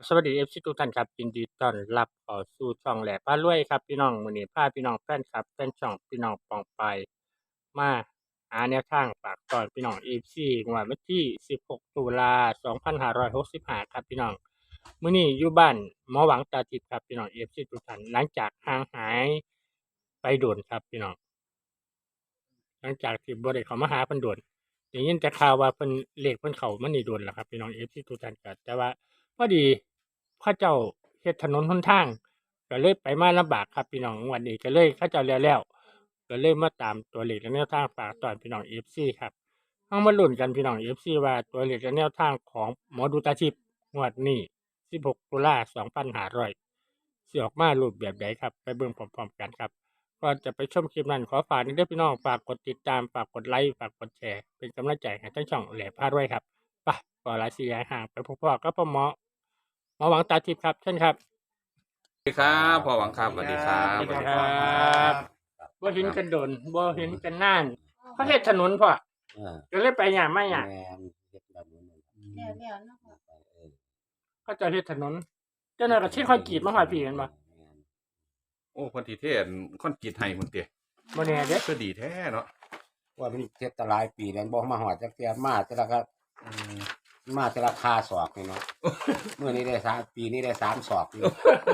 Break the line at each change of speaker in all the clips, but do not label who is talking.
สวัสดีเอฟซีทุกท่านครับยินดีต้อนรับเข้าสู่ช่องแหล่พารวยครับพี่น้องมื้อนี้พาพี่น้องแฟนคลับแฟนช่องพี่น้องปองไปมาหาแนวทางฝากตอนพี่น้อง FC งวดวันที่16ตุลา2565ครับพี่น้องมื้อนี้อยู่บ้านหมอหวังตาทิพย์ครับพี่น้อง FC ทุกท่านหลังจากห่างหายไปโดนครับพี่น้องหลังจากที่บ่ได้เข้ามาหาเพิ่นโดนได้ยินแต่ข่าวว่าเพิ่นเลขเพิ่นเข้ามานี่โดนแล้วครับพี่น้อง FC ทุกท่านก็แต่ว่าพอดี เขาเจ้าเฮ็ดถนนหนทางก็เลยไปมาลำบากครับพี่น้องงวดนี้ก็เลยเขาเจ้าแล้วก็เลยมาตามตัวเลขและแนวทางฝากตอนพี่น้อง FC ครับเฮามาลุ้นกันพี่น้อง FC ว่าตัวเลขและแนวทางของหมอดูตาทิพย์งวดนี้16ตุลา2500สิออกมารูปแบบใดครับไปเบิ่งพร้อมๆกันครับก่อนจะไปชมคลิปนั้นขอฝากนิดเด้อพี่น้องฝากกดติดตามฝากกดไลค์ฝากกดแชร์เป็นกำลังใจให้ทั้งช่องแหล่พารวยครับไปก่อหลายสิย้ายห่างไปพบๆกับพ่อหมอหวังตาทิพย์ครับเชิญครับ
สวัสดีครับพ่อหวังครับสวัสดีครับ
สวัสดีครั
บ
บ่เห็นกันโดนบ่เห็นกันนานเขาเฮ็ดถนนพ่อ
เออ
ก็เลยไปหยังมาหยัง
แม่นเฮ็ดแบบนี้นั่น
แล้วเนาะพ่อ
ไป
เขาเจะเฮ็ดถนนเจ้าหน้าก็ที่คอยกรีดมาฮอดพี่แม่นบ่
แม่น
โอ้คนที่เทศคอนกรีตให้คนเตี้ย
บ่แน่เด้
ก็ดีแท้เนาะ
ว่ามันเฮ็ดแตหลายปีแล้วบ่มาฮอดจักเที่ยมาแต่ละก็
อืม
มาแต่ละคาศอกนี่เนาะ มื้อนี้ได้3ปีนี้ได้3ศอกนี่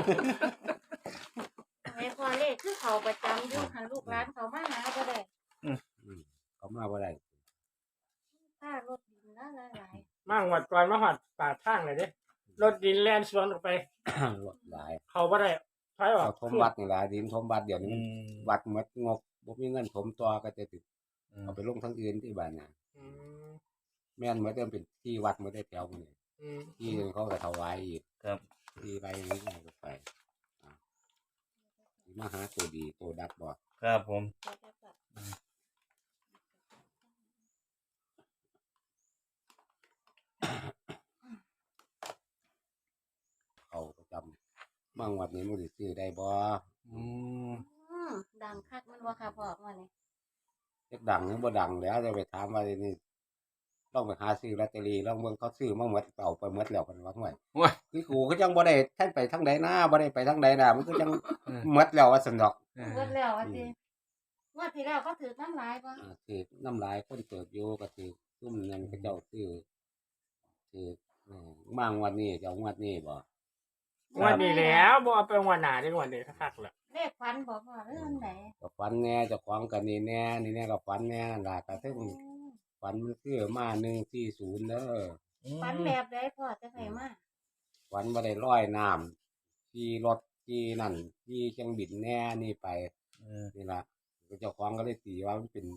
ไอ้พ่อเลขคือเขาประจำอยู่หันลูกหลานเขามาหาบ่ได้
อืมเขามาบ่ได้
ค่ารถดินนะหลาย
มางวดก่อนมาฮอดปากทางเลยเด้รถดินแล่นสวนออกไป
รถหลาย
เขาบ่ได้ถอยออก
เขาถมวัดนี่ล่ะดินถมวัดเดี๋ยว
อื
นี้
ม
วัดหมดงบบ่มีเงินถมต่อก็จะติด
อืม
เอาไปลงทางอื่นที่บ้านน่ะ
อืม
แม่นหมดเดิมเป็นที่วัดหมดได้แถวนี้
อืม
ที่อื่นเขาก็ถวายอีก
ครับ
ที่ไรนี้ก็ไปอ่ามาหาตัวดีตัวดักบ่
ครับผม
เขาประจำบางวัดนี้มันสิซื้อได้บ่
อืม
ดังคักมันว่าค่ะพ่อว่านี่
เฮ็ดดังหรือบ่ดังแล้วจะไปถามว่านี่ต้องไปหาซื้อลอตเตอรี่ลองเบิ่งเขาซื้อมาหมดเอาไปหมดแล้วเพิ่นว่าห่วย
ว้า
คือกูก็จังบ่ได้ท่านไปทางใดนะบ่ได้ไปทางใดนะมันก็จัง
เออ
หมดแล้วว่าซั่นดอก
เอ
เบิ
อ
ดแล้วว่าสิงวดที่แล้วก็ถือน้ำลายบ่
ถือน้ำลายคนเติบอยู่ก็ถือซุ่มนั้นเขาเจ้าซื้อถือมางวันนี้จะเอางวดนี้บ่
งวดนี้แล้วบ่เอาไปงวดหน้าเด้งวดนี้คักๆแล้ว
เลขฟันบ่พ่อเรื่องไหน
ก็ฝันแน่เจ้าของก็นี่แน่นี่แน่ก็ฝันแน่นั่นล่ะก็ถึงฝันมันคือมา140เด้อ
ฟันแบบใดพ่อจะให้มา
ฝันบ่ได้ลอยน้ำขี่รถขี่นั่นขี่จังบินแน่นี่ไป
เออ
นี่ล่ะเจ้าของก็เลยตีว่ามันเป็น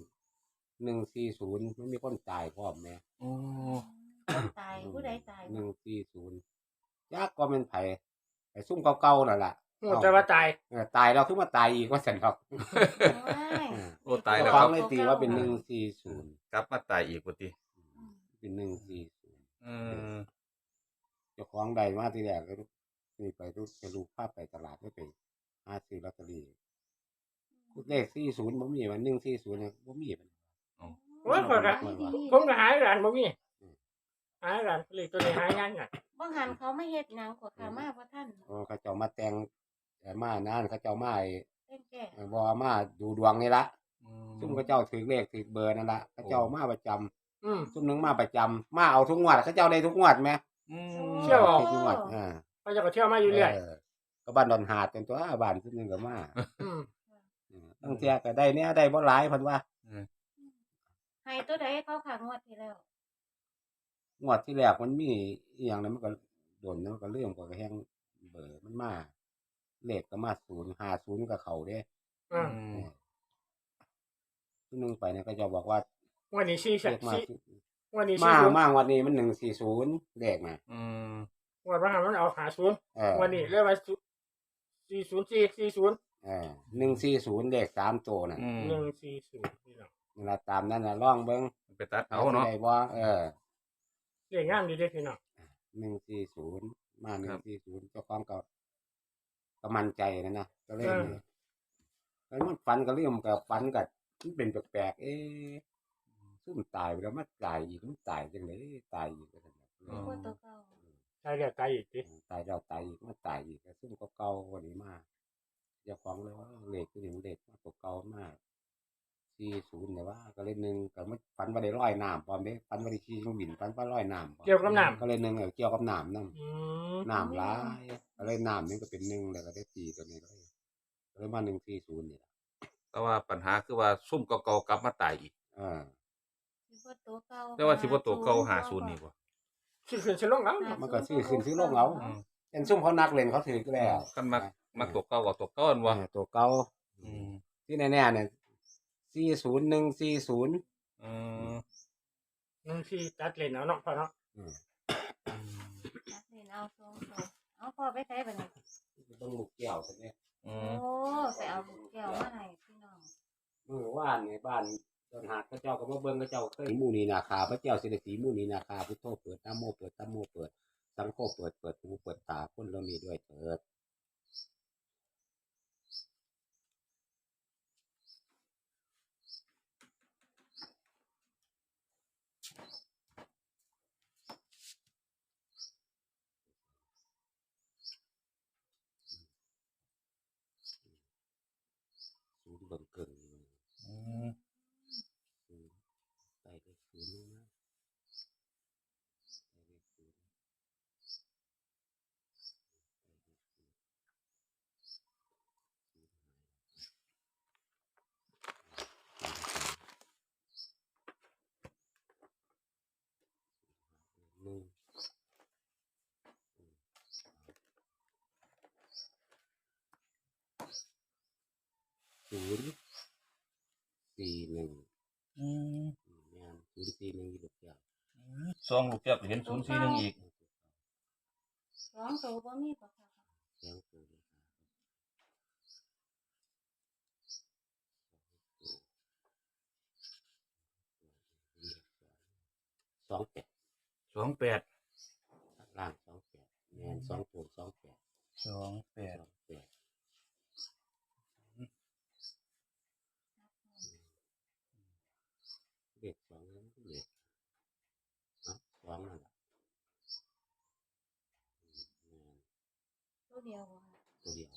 140มันมีคนตายพร้อมแหม่
โอ้
ตายผู้ใดตายบ่
140จักว่ามันไผไอ้ซุ่มเก่าๆนั่นล่ะ
งวดแต่ว่าตาย
ตายแล้วคือมาตายอีกว่าซั่นดอก
โอ้ตายแล้ว
เจ้า
ค
ข
รั
อบ งเลยตีว่าเป็น140
กลับมาตายอีกปกติ
เป็น140
เออ
เจ้าของได้มาทีแรกก็นี่ไปลูกพาไปตลาดไม่ไปหาซื้อลอตเตอรี่เลข40บ่มีมัน140เนี่ยบ่มีมัน
โอ้ยข้อยก็ผมก็หาร้านบ่มีหาร้านเลขตัวนี้หายากน่ะ
บ่หันเขาไม่เฮ็ดหยังกว่าค่ะมาบ่ทัน
เขาเจ้ามาแต่งมานั่นเขาเจ้ามาไอ้
เต้นแก่
บ่มาดูดวงนี่ละ
อื
ซุ่มเขาเจ้าถือเลขถือเบอร์นั่นละเขาเจ้ามาประจำ
อืม
ซุ่มหนึงมาประจำมาเอาทุกงวดเขาเจ้าได้ทุกงวดแม่
อืม
เชื่อบ่
ทุกงวด
เขาจะก็เที่ยวมาอยู่เรื่อย
ก็บ้านดอนหาดเป็นตัวบ้านซุ่มหนึงก็มา
อืม
ตั้งแต่ก็ได้เนี่ยได้บ่หลายเพิ่นว่า
ให้ตัวใดเขาขางวดที่แล้ว
งวดที่แรกมันมีอีหยังนั้นมันก็โดนมันก็เรื่องก็แฮงเบอร์มันมาเลขก็มา050ก็เข้าเด้
อืม
ซุ่มหนึงไปเนี่ยก็จะบอกว่า
วันนี้4
เลขมา
วันนี้
มา
40
มาวันนี้มัน140เลขน่ะ
อืม
วันว่ามันเอา50วันนี้เลยว่า40440
140เลข3ตัวน่ะ
อืม
140นี่เนาะ
นี่ล่ะตามนั้นน่ะลองเบิ่ง
ไปตัดเอาเนาะ
ได้บ่
เลขงามดีเด้พี่น้อง
140มา
ครับ
140เจ้าของก็มั่นใจนะก็เลยนี่แล้วมันฝันก็เรื่องกับฝันก็มันเป็นแปลกๆซุ่มตายไปแล้วมันตายอีกมันตายจังได๋ตายอีกว่าซั่นน่ะ
บ่ตัวเก่า
ใช่เรียกไกลอีกที
ตายแล้วตายอีกมาตายอีกก็ซึ่งก็เก่ากว่านี้มากเจ้าของเลยว่าเลขคือหนึ่งเลขมาตัวเก่ามาก40เนี่ยว่าก็เลยหนึ่งก็มันฝันว่าได้ลอยน้ำพร้อมเด้ฝันว่าได้ขี่เครื่องบินฝันว่าลอยน้ำพร้อม
เกี่ยวกับน้
ก็เลยหนึ่งเกี่ยวกับน้ำนำ
ำ
น้ำหลายก็เลยน้ำนี่ก็เป็นหนึ่งแล้วก็ได้ตีตัวนี้เลยก็เลยมา140นี่ล่ะ
แต่ว่าปัญหาคือว่าซุ่มเก่าๆกลับมาตายอีก
เออ
สิบ่ตัวเก่า
แต่ว่าสิบ่ตัวเก่า50นี่บ่
ชื่อขึ้นชื่อลงเอา
มันก็ซื้อขึ้นซื้อลงเอา
อืม
เป็นซุ่มเขานักเล่นเขาถือก็แล้ว
คันมักตัวเก่าก็ตัวเก่าอันบ่
ตัวเก่า
อืม
ที่แน่ๆเนี่ย40140
อืม
หนึ่งที่ตัดเลนเอาเนาะพ่อเนาะ
อืม
นักเรียนเอาทรงเอาพ่อไปใช้บัดนี้
ต้องลูกแก้วซะเนี่ย
อื
โอ้
ม
ไปเอาแก้วมาให้พี่น้อง
มื้อวานนี่บ้านตอนหาดเขาเจ้าก็มาเบิ่งเขาเจ้าเคยหมู่นีนาคาพระเจ้าสิได้สีหมู่นีนาคาพุทโธเปิดนะโมเปิดนะโมเปิดสังโฆเปิดหูเปิดตาคนเรานี้ด้วยเถิด ศูนย์เบิ่งเกิน
อืม
ศูนย์ใส่เลขศูนย์ลงมาใส่เลขศูนย์หนึ่ง041
อืม
แม่น041อยู่ลูกแก้ว
ซองลูกแก้วก็เห็น041อีก
สองตัวบ่มีบ่ค่ะ
แจ้งตัวเลย28
28
ล่าง28แม่น2ตัว28
28
เลข2นั้นเลข2นั่นล่ะแม่น
ตัวเดียวบ่ค่ะ
ตัวเดียว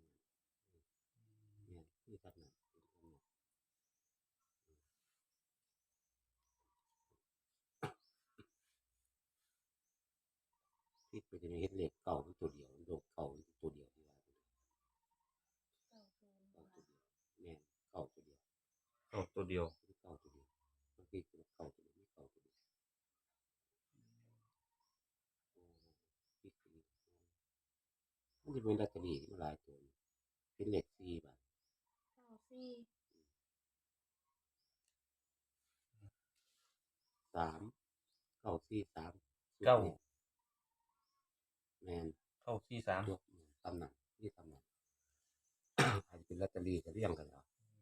เนี่ยที่ตัดหนักที่ไปจะมีเฮ็ดเหล็กเก่าตัวเดียวโลกเก่าตัวเดียวที่ว่า
เก้าศูนย์
เก่า
บ่
ตัว
ค่ะ
เดียวแม่นเก่าตัวเดียว
เอาตัวเดียว
เก่าตัวเดียวบางทีก็เก่าตัวเดียวไม่เก่าตัวเดียวโอ้ที่คือมันจะเป็นลอตเตอรี่ที่มาหลายตัวเป็นเหล็ก4 บาท
เก้าสี่
3 943
เก้า
แม่น
943
ยกตำหนักนี่ตำหนัก อาจจะเป็นลอตเตอรี่ก็เรียงกันแล้ว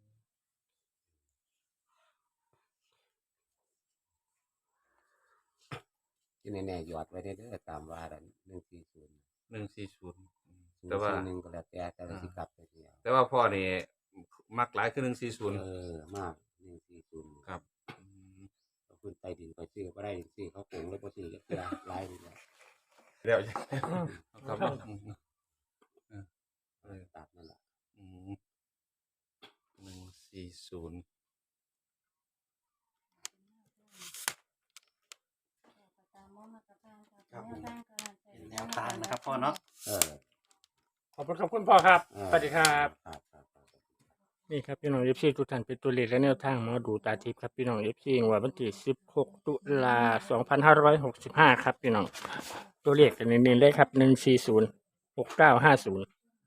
ที่แน่ๆหยอดไว้ได้เด้อตามว่าดัน140
140แต่ว่า
141ก็แล้วแต่ละสิกลับไปเดียว
แต่ว่าพ่อนี่มักหลายคือ140
มาก140
ครับอืม
เอาขึ้นใต้ดินไปซื้อบ่ได้ซื้อเขาโกงแล้วบ่ซื้อก็จะหลายไปแล้ว
เดี๋ยว
อืม
ครับ
ตามนั่นล่ะ
อืม140
ตามมาตรฐานค่ะ
ครับ
แนวทางการใช้
เป็นแนวทางนะครับพ่อเนาะ
เออ
ขอบคุณพ่อครับ
เออ
สวัสดีครับ
ครับ
นี่ครับพี่น้องเอฟซีทุกท่านเป็นตัวเลขและแนวทางหมอดูตาทิพย์ครับพี่น้องเอฟซีงวดวันที่16 ตุลา2565 ครับพี่น้องตัวเลขกันเน้นๆเลยครับ140 6950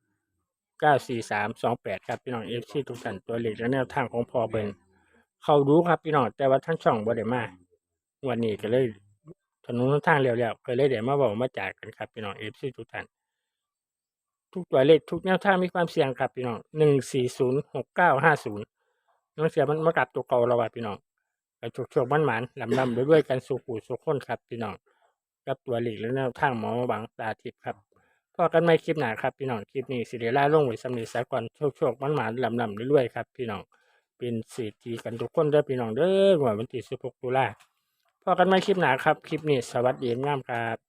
94328ครับพี่น้องเอฟซีทุกท่านตัวเลขและแนวทางของพ่อเบิ่นเขารู้ครับพี่น้องแต่ว่าทั้งช่องบ่ได้มาวันนี้ก็เลยถนนหนทางแล้วๆก็เลยได้มาเว้ามาจากกันครับพี่น้องเอฟซีทุกท่าน ทุกตัวเลขทุกแนวทางมีความเสี่ยงครับพี่น้อง1406950น้องเสียมันมากลับตัวเก่าเราว่าพี่น้องกระโชคๆมันๆลำด้วยกันสู่ผู้สู่คนครับพี่น้องกับตัวเลขและแนวทางหมอบังตาทิพย์ครับพอกันไม่คลิปหน้าครับพี่น้องคลิปนี้สิได้ลาลงไว้สำเร็จซะก่อนโชคๆมันๆลำด้วยครับพี่น้องเป็นเศรษฐีกันทุกคนเด้อพี่น้องเด้อวันที่16 ตุลาพอกันไม่คลิปหน้าครับคลิปนี้สวัสดีงามครับ